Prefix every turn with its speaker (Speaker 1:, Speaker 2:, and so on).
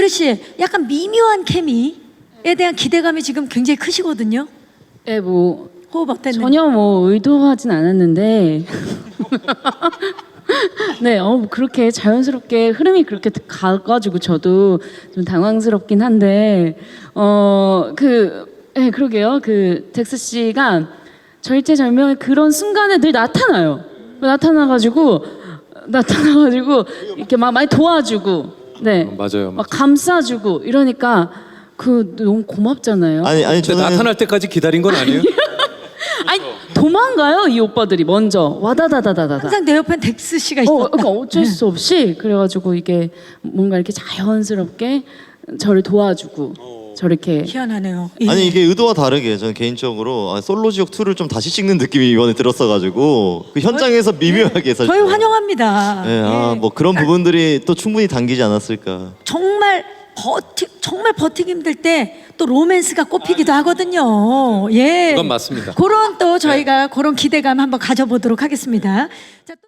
Speaker 1: 씨, 약간 미묘한 케미에 대한 기대감이 지금 굉장히 크시거든요.
Speaker 2: 네, 뭐
Speaker 1: 호흡 어땠는지.
Speaker 2: 전혀 뭐 의도하진 않았는데 네, 그렇게 자연스럽게 흐름이 그렇게 가가지고 저도 좀 당황스럽긴 한데 네, 그러게요. 그 덱스 씨가 절제절명의 그런 순간에 늘 나타나가지고 이렇게 막 많이 도와주고, 네,
Speaker 3: 맞아요.
Speaker 2: 막 감싸주고 이러니까 그 너무 고맙잖아요.
Speaker 4: 아니
Speaker 3: 근데
Speaker 4: 저는
Speaker 3: 나타날 때까지 기다린 건 아니에요?
Speaker 2: 아니 도망가요 이 오빠들이 먼저 와다다다다다.
Speaker 1: 항상 내 옆엔 덱스 씨가 있었다.
Speaker 2: 그러니까 어쩔 수 없이 그래가지고 이게 뭔가 이렇게 자연스럽게 저를 도와주고 저렇게.
Speaker 1: 희한하네요.
Speaker 4: 아니 이게 의도와 다르게 저는 개인적으로 솔로 지옥 2를 좀 다시 찍는 느낌이 이번에 들었어가지고 그 현장에서 미묘하게 사실
Speaker 1: 저희 환영합니다.
Speaker 4: 네,
Speaker 1: 예.
Speaker 4: 뭐 그런 부분들이 또 충분히 당기지 않았을까.
Speaker 1: 정말 버티기 힘들 때 또 로맨스가 꼽히기도 하거든요. 예.
Speaker 3: 그건 맞습니다.
Speaker 1: 그런 또 저희가 그런 기대감 한번 가져보도록 하겠습니다. 자, 또